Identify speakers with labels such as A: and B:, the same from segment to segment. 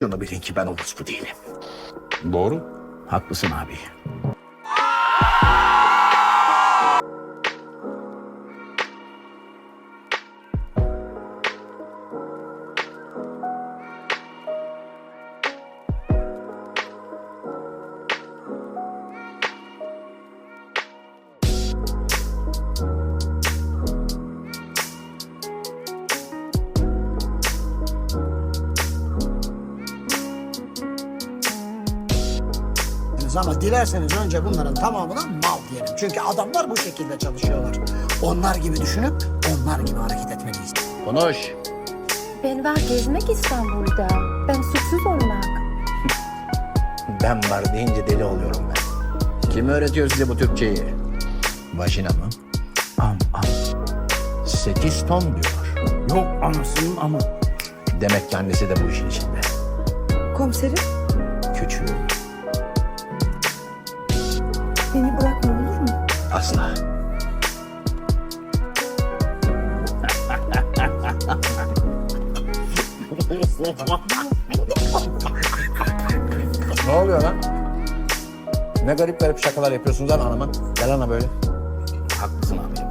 A: Şunu bilin ki ben orospu değilim.
B: Doğru.
A: Haklısın abi.
C: Ama dilerseniz önce bunların tamamına mal diyelim. Çünkü adamlar bu şekilde çalışıyorlar. Onlar gibi düşünüp onlar gibi hareket etmeliyiz.
A: Konuş.
D: Ben var gezmek İstanbul'da. Ben suçsuz olmak.
A: Ben var deyince deli oluyorum ben. Kim öğretiyor size bu Türkçeyi? Vajina mı? Am. 8 ton diyor.
C: Yok anasının amı.
A: Demek ki annesi de bu işin içinde.
D: Komiserim,
A: Küçüğü.
D: beni bırakma olur mu?
A: Asla. Ne oluyor lan? Ne garip garip şakalar yapıyorsunuz lan anama. Gel ana böyle. Haklısın amirim.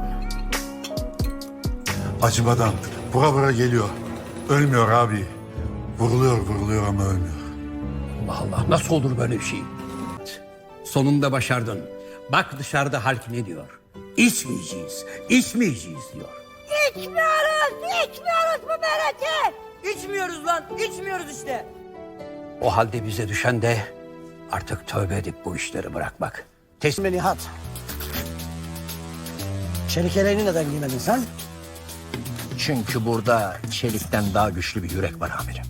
E: Acımadan bura bura geliyor. Ölmüyor abi. Vuruluyor ama ölmüyor.
F: Allah Allah, nasıl olur böyle bir şey? Sonunda başardın. Bak dışarıda halk ne diyor? İçmeyeceğiz diyor.
G: İçmiyoruz bu meleti. İçmiyoruz lan, içmiyoruz işte.
F: O halde bize düşen de artık tövbe edip bu işleri bırakmak.
C: Teslim Nihat. Çelik yeleğini neden giymedin sen?
A: Çünkü burada çelikten daha güçlü bir yürek var amirim.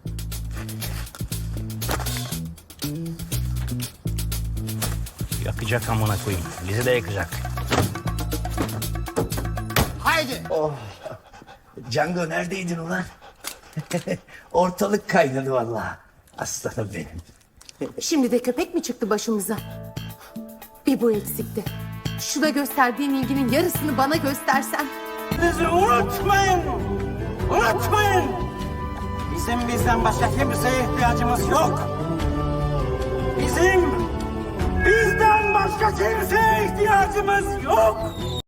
H: Yakacak amına koyayım. Bizi de yakacak.
C: Haydi.
A: Django neredeydin ulan? Ortalık kaynadı vallahi. Aslanım benim.
D: Şimdi de köpek mi çıktı başımıza? Bir bu eksikti. Şuna gösterdiğin ilginin yarısını bana göstersen.
G: Bizi unutmayın. Unutmayın. Bizim bizden başka kimseye ihtiyacımız yok. Bizim bizden başka kimseye ihtiyacımız yok.